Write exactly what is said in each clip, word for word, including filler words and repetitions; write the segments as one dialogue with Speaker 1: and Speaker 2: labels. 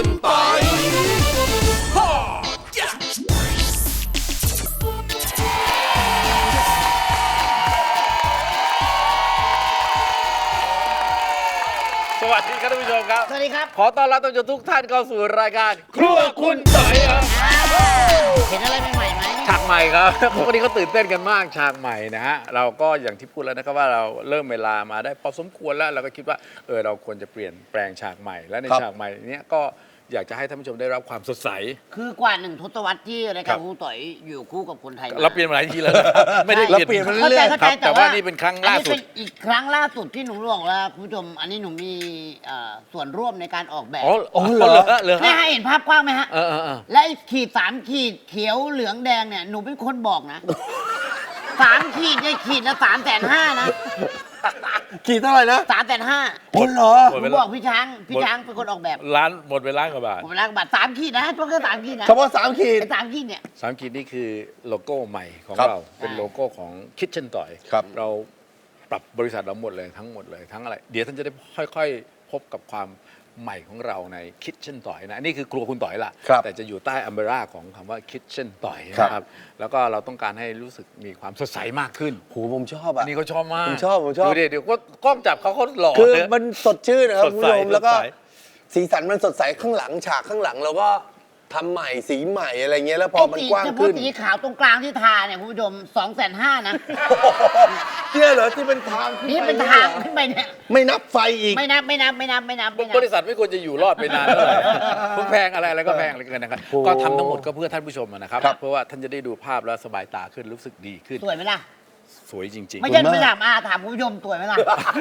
Speaker 1: คุณปอย
Speaker 2: สวัสดีครับท่านผู้ชมครับ
Speaker 3: สวัสดีครับ
Speaker 2: ขอต้อนรับท่านผู้ชมทุกท่านเข้าสู่รายการครัวคุณปอยครับ
Speaker 3: เห็นอะไรใหม่ๆไหม
Speaker 2: ฉากใหม่ครับพวกนี้เขาตื่นเต้นกันมากฉากใหม่นะฮะเราก็อย่างที่พูดแล้วนะครับว่าเราเริ่มเวลามาได้พอสมควรแล้วเราก็คิดว่าเออเราควรจะเปลี่ยนแปลงฉากใหม่และในฉากใหม่เนี้ยก็อยากจะให้ท่านผู้ชมได้รับความสดใส
Speaker 3: คือกว่าหนึ่งทศวรรษที่ราย
Speaker 2: ครั
Speaker 3: การ
Speaker 2: บ
Speaker 3: ครูต่อยอยู่คู่กับคนไทย
Speaker 2: เราเปลี่ยนมาหลายทีแล้วนะครับไม่ได้
Speaker 4: เราเปลี่ยนมา
Speaker 3: เข้า
Speaker 4: เรื่
Speaker 3: ใจ
Speaker 4: อย
Speaker 3: เข้า
Speaker 2: ค
Speaker 3: ใจ
Speaker 2: รับแต่ว่านี่เป็นครั้งล่าสุด
Speaker 3: อันนี้เป็นอีกครั้งล่าสุดที่หนูบอกแล้วคุณผู้ชมอันนี้หนูมีเอ่อส่วนร่วมในการออกแบบ
Speaker 2: อ๋อ
Speaker 4: อ๋อ
Speaker 2: เห
Speaker 4: เห
Speaker 2: ร
Speaker 4: ร
Speaker 2: อ
Speaker 4: อ
Speaker 2: เหรอ
Speaker 3: นี่ให้เห็นภาพกว้างไหมฮะ
Speaker 2: เออเออเออ
Speaker 3: และไอ้ขีดสามขีดเขียวเหลืองแดงเนี่ยหนูเป็นคนบอกนะสามขีดเนี่ยขีดละสามแสนห้านะ
Speaker 4: ขี่เท่าไหร่นะ
Speaker 3: สามแสนห้า
Speaker 4: โอ้เหรอ
Speaker 2: หมด
Speaker 3: ห
Speaker 2: เว
Speaker 3: นู
Speaker 2: ลา
Speaker 3: บอกพี่ช้างพี่ช้างเป็นคนออกแบบ
Speaker 2: ร้านหมดไปล้านกว่าบาท
Speaker 3: ผมรักบัตรสามขีดนะตัวแค่สามขีดนะ
Speaker 4: เฉพาะสามขีด
Speaker 3: ไอ้สามขีดเนี่ย
Speaker 2: สามขีดนี่คือโลโก้ใหม่ของ
Speaker 4: ครับ
Speaker 2: เราเป็นโลโก้ของ Kitchen Toy
Speaker 4: ครับ
Speaker 2: เราปรับบริษัทเราหมดเลยทั้งหมดเลยทั้งอะไร เดี๋ยวท่านจะได้ค่อยๆ พบกับความใหม่ของเราใน Kitchen Toy นะอันนี่คือครัวคุณต่อยละ
Speaker 4: ครับ
Speaker 2: แต่จะอยู่ใต้อัมเบร่าของคำว่า Kitchen Toy
Speaker 4: ครับ
Speaker 2: นะครับแล้วก็เราต้องการให้รู้สึกมีความสดใสมากขึ้น
Speaker 4: โหผมชอบอ่ะ
Speaker 2: นี่เขาชอบมาก
Speaker 4: ผมชอบผมชอบ
Speaker 2: ดูดิเดี๋ยวก็กล้องจับเขาเขาหล่อ
Speaker 4: คือ
Speaker 2: เลย
Speaker 4: มันสดชื่นนะครับ
Speaker 2: ส
Speaker 4: คุ
Speaker 2: ด
Speaker 4: ณ
Speaker 2: ใส
Speaker 4: ผู้ชมแล้วก็
Speaker 2: สดใส
Speaker 4: สีสันมันสดใสข้างหลังฉากข้างหลังเราก็ทำใหม่สีใหม่อะไรเงี้ยแล้วพอมันกว้าง
Speaker 3: เฉพาะ
Speaker 4: ขึ้น
Speaker 3: สีขาวตรงกลางที่ทาเนี่ยคุณผู้ชมสองแสนห้านะ
Speaker 4: เนี่ยเหรอที่เป็นทางขึ้
Speaker 3: นี่เป็น
Speaker 4: ไ
Speaker 3: ทางขึ้นไปเนี่ย
Speaker 4: ไม่นับไฟอีก
Speaker 3: ไม่นับไม่นับไม่นับไม่นับไม่นั
Speaker 2: บริษัทไม่ควรจะอยู่รอดไปนานเท่าไหร่พวกแพงอะไรอะไรก็แพงอะไรเกินนะครับ
Speaker 4: โอ้
Speaker 2: ก็ทำทั้งหมดก็เพื่อท่านผู้ชมนะครับ
Speaker 4: ครับ
Speaker 2: เพราะว่าท่านจะได้ดูภาพแล้วสบายตาขึ้นรู้สึกดีขึ้น
Speaker 3: สวยไหมล่ะ
Speaker 2: สวยจริง
Speaker 3: ไม่ใช่
Speaker 4: ขอบคุณมาก
Speaker 3: ไม่ถามอาถามคุณผู้ชมสวยไหมล่ะ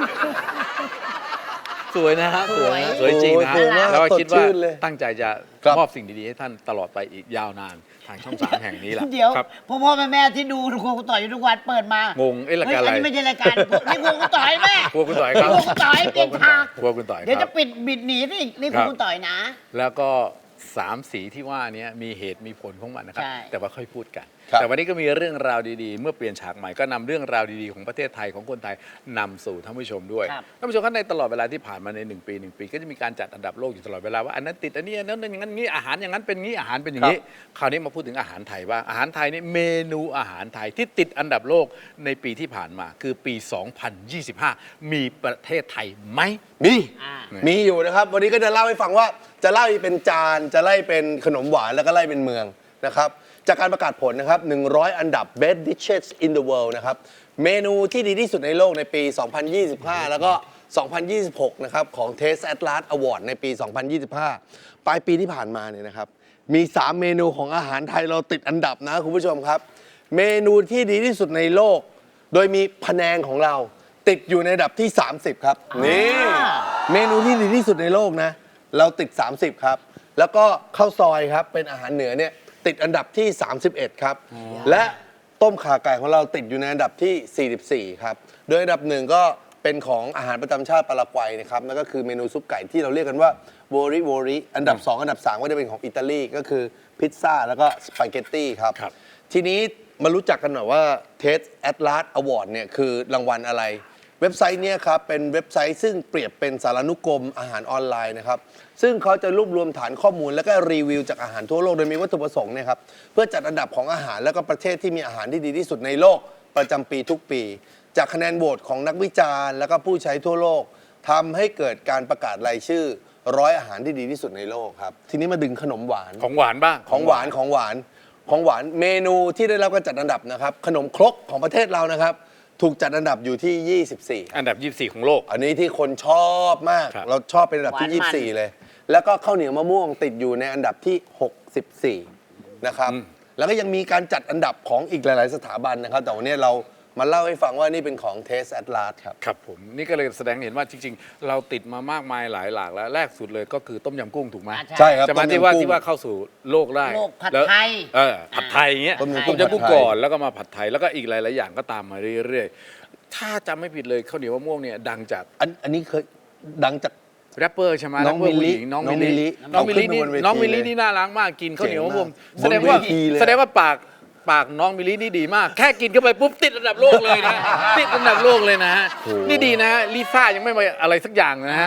Speaker 2: ๆ สวยนะฮะ
Speaker 3: สวย
Speaker 2: สวยจริงนะฮะ
Speaker 4: โอ้สวยมาก
Speaker 2: แล้วก็คิด
Speaker 4: สดชื่
Speaker 2: ว่าน
Speaker 4: เลย
Speaker 2: ตั้งใจจะ
Speaker 4: ครับ
Speaker 2: มอบสิ่งดีๆให้ท่านตลอดไปอีกยาวนานทางช่องสามแห่งนี้แหละ
Speaker 3: เดี๋ยว
Speaker 2: ครับ
Speaker 3: พ่อพ่อแม่แม่ที่ดูครูต่อยอยู่ทุกวันเปิดมาง
Speaker 2: งเอ๊ะราย
Speaker 3: เฮ้ย
Speaker 2: การอะไร
Speaker 3: อันนี้ไม่ใช่รายการนี่ครูต่อยแม่
Speaker 2: ครัวคุณต่อยครับ
Speaker 3: ครูต่อยเปลี่ยนฉาก
Speaker 2: ครัวคุณต่อย
Speaker 3: เดี๋ยว
Speaker 2: ครั
Speaker 3: จะ
Speaker 2: บ
Speaker 3: ปิดบิดหนีสินี่ค
Speaker 2: ครั
Speaker 3: รู
Speaker 2: บ
Speaker 3: ต่อยนะ
Speaker 2: แล้วก็สามสีที่ว่านี้มีเหตุมีผลของมันนะครับ
Speaker 3: ใช่
Speaker 2: แต่ว่าค่อยพูดกัน
Speaker 4: ครับ
Speaker 2: แต่วันนี้ก็มีเรื่องราวดีๆ เมื่อเปลี่ยนฉากใหม่ก็นำเรื่องราวดีๆของประเทศไทยของคนไทยนำสู่ท่านผู้ชมด้วย
Speaker 3: ครับ
Speaker 2: ท่านผู้ชมครับในตลอดเวลาที่ผ่านมาในหนึ่งปีหนึ่งปีก็จะมีการจัดอันดับโลกอยู่ตลอดเวลาว่าอันนั้นติดอันนี้อันนั้นอย่างนั้นงี้อาหารอย่างนั้นเป็นงี้อาหารเป็นอย่างนี้ คราวนี้มาพูดถึงอาหารไทยบ้างอาหารไทยนี่เมนูอาหารไทยที่ติดอันดับโลกในปีที่ผ่านมาคือปี สองพันยี่สิบห้า มีประเทศไทยไหม
Speaker 4: มี
Speaker 3: อ่า
Speaker 4: มีอยู่นะครับ วันนี้ก็จะเล่าให้ฟังว่าจะไล่เป็นจานจะไล่เป็นขนมหวานแล้วก็ไล่เป็นเมืองนะครับจากการประกาศผลนะครับหนึ่งร้อยอันดับ best dishes in the world นะครับเมนูที่ดีที่สุดในโลกในปี สองพันยี่สิบห้า แล้วก็ สองพันยี่สิบหก นะครับของ Taste Atlas Award ในปี สองพันยี่สิบห้า ปลายปีที่ผ่านมาเนี่ยนะครับมี สาม เมนูของอาหารไทยเราติดอันดับนะคุณผู้ชมครับ เมนูที่ดีที่สุดในโลก โดยมีพะแนงของเราติดอยู่ในอันดับที่ สามสิบ ครับนี่ เมนูที่ดีที่สุดในโลกนะ เราติด สามสิบ ครับ แล้วก็ข้าวซอยครับ เป็นอาหารเหนือเนี่ยติดอันดับที่ สามสิบเอ็ด ครับ และต้มข่าไก่ของเราติดอยู่ในอันดับที่ สี่สิบสี่ ครับ โดยอันดับหนึ่งก็เป็นของอาหารประจำชาติปารากวัยนะครับนั่นก็คือเมนูซุปไก่ที่เราเรียกกันว่าโวริโวริอันดับ สอง อันดับ สาม ก็จะเป็นของอิตาลีก็คือพิซซ่าแล้วก็สปาเกตตี้ครับ
Speaker 2: ครับ
Speaker 4: ทีนี้มารู้จักกันหน่อยว่า Taste Atlas Award เนี่ยคือรางวัลอะไร เว็บไซต์เนี่ยครับเป็นเว็บไซต์ซึ่งเปรียบเป็นสารานุกรมอาหารออนไลน์นะครับซึ่งเขาจะรวบรวมฐานข้อมูลแล้วก็รีวิวจากอาหารทั่วโลกโดยมีวัตถุประสงค์เนะครับเพื่อจัดอันดับของอาหารแล้วก็ประเทศที่มีอาหารที่ดีที่สุดในโลกประจำปีทุกปี จากคะแนนโหวตของนักวิจารณ์แล้วก็ผู้ใช้ทั่วโลกทำให้เกิดการประกาศรายชื่อร้อยอาหารที่ดีที่สุดในโลกครับทีนี้มาดึงขนมหวาน
Speaker 2: ของหวานบ้าง
Speaker 4: ของหวานของหวานของหวานเมนูที่ได้รับการจัดอันดับนะครับขนมครกของประเทศเรานะครับถูกจัดอันดับอยู่ที่ ยี่สิบสี่
Speaker 2: อันดับ ยี่สิบสี่ ของโลก
Speaker 4: อันนี้ที่คนชอบมาก
Speaker 2: ครับ
Speaker 4: เราชอบเป็นอันดับที่
Speaker 3: หวานมัน
Speaker 4: ยี่สิบสี่ เลย แล้วก็ข้าวเหนียวมะม่วงติดอยู่ในอันดับที่ หกสิบสี่ นะครับแล้วก็ยังมีการจัดอันดับของอีกหลาย ๆ สถาบันนะครับแต่วันนี้เรามาเล่าให้ฟังว่านี่เป็นของ Taste Atlas ครับ
Speaker 2: ครับผมนี่ก็เลยแสดงให้เห็นว่าจริง ๆ เราติดมามากมายหลายหลากแล้วแรกสุดเลยก็คือต้มยำกุ้งถูกไหม
Speaker 3: อ่า
Speaker 4: ใช่ครับ
Speaker 2: จะมา
Speaker 4: ต้มยำ
Speaker 2: ที่ว่า
Speaker 4: กุ้ง
Speaker 2: ที่ว่าเข้าสู่โลกได้
Speaker 3: โลกผัด
Speaker 2: แล้ว
Speaker 3: ไทย
Speaker 2: เออผัดไทยอย่างเงี้ย
Speaker 4: ต้มยำ
Speaker 2: ต้มยำกุ้ง
Speaker 4: ผัดไทย
Speaker 2: ก่อนแล้วก็มาผัดไทยแล้วก็อีกหลายๆอย่างก็ตามมาเรื่อยๆถ้าจำไม่ผิดเลยข้าวเหนียวมะม่วงเนี่ยดังจาก
Speaker 4: อันอันนี้เคยดังจาก
Speaker 2: แรปเปอร์ใช่ไหม
Speaker 4: น้อง
Speaker 2: แรปเปร์
Speaker 4: มิลลิ
Speaker 2: ผู้หญิน้อง
Speaker 4: น้องมิ
Speaker 2: มิล
Speaker 4: ลลิ
Speaker 2: ลิน้องมิลลินี่
Speaker 4: เอาขึ้นบนเวที
Speaker 2: น้องมิลลิ
Speaker 4: เลย
Speaker 2: นี่น่ารักมากกินข้าวเหนียวมะม่วง
Speaker 4: เจ๋งมาก
Speaker 2: แสดงว่า
Speaker 4: บนเวทีเลย
Speaker 2: แสดงว่าปากปากน้องมิลลินี่ดีมาก แค่กินเข้าไปปุ๊บติดอันดับโลกเลยนะติดอันดับโลกเลยนะฮะนี่ดีนะฮะลิซ่ายังไม่มาอะไรสักอย่างนะฮะ
Speaker 3: อ่า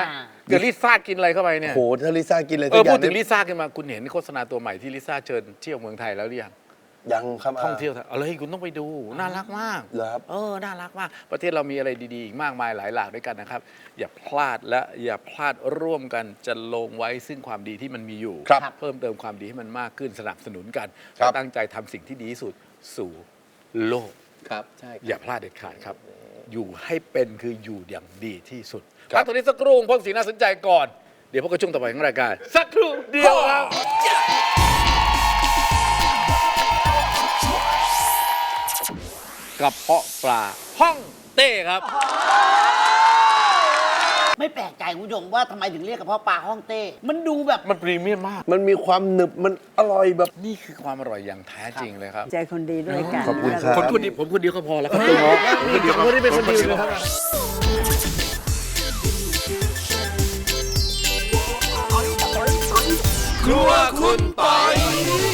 Speaker 2: เกิดลิซ่ากินอะไรเข้าไปเนี่ย
Speaker 4: โหถ้าลิซ่ากินอะไร
Speaker 2: เออ
Speaker 4: สักย่า
Speaker 2: พูดถึง
Speaker 4: นี่
Speaker 2: ลิซ่าขึ้นมาคุณเห็นโฆษณาตัวใหม่ที่ลิซ่าเชิญเที่ยวเมืองไทยแล้วหรือยัง
Speaker 4: ยังครับ
Speaker 2: ท่องเที่ยวไทยเอาเลยคุณต้องไปดูน่ารักมาก
Speaker 4: เหรอครับ
Speaker 2: เออน่ารักมาก ประเทศเรามีอะไรดีๆอีกมากมายหลายหลากด้วยกันนะครับ อย่าพลาดและอย่าพลาดร่วมกันจะลงไว้ซึ่งความดีที่มันมีอยู่
Speaker 4: ครับ
Speaker 2: เพิ่มเติมความดีให้มันมากขึ้นสนับสนุนกัน
Speaker 4: ครับ
Speaker 2: และตั้งใจทำสิ่งที่ดีที่สุดสู่โลก
Speaker 4: ครับใช่ครับ
Speaker 2: อย่าพลาดเด็ดขาดครับ อยู่ให้เป็นคืออยู่อย่างดีที่สุด
Speaker 4: ครับ
Speaker 2: พักตรงนี้สักครู่พวกสิ่งน่าสนใจก่อน เดี๋ยวพวกกระช่วงต่อไปของรายการ สักครู่เดียวครับ กระเพาะปลาห้องเต้ครับ
Speaker 3: ไม่แปลกใจคุณผู้ชมว่าทำไมถึงเรียกกระเพาะปลาฮ่องเต้ มันดูแบบ
Speaker 2: มันพรีเมียมมาก
Speaker 4: มันมีความหนึบมันอร่อยแบบ
Speaker 2: นี่คือความอร่อยอย่างแท้จริงเลยครับ
Speaker 1: ใจคนดีด้วยกัน
Speaker 4: ขอบคุณครับ
Speaker 2: คนคนเดียวผมคนเดียวก็พอแล้วครับผมคนเดียวไม่ได้เป็นคนเดียวนะครับ ครัวคุณปอย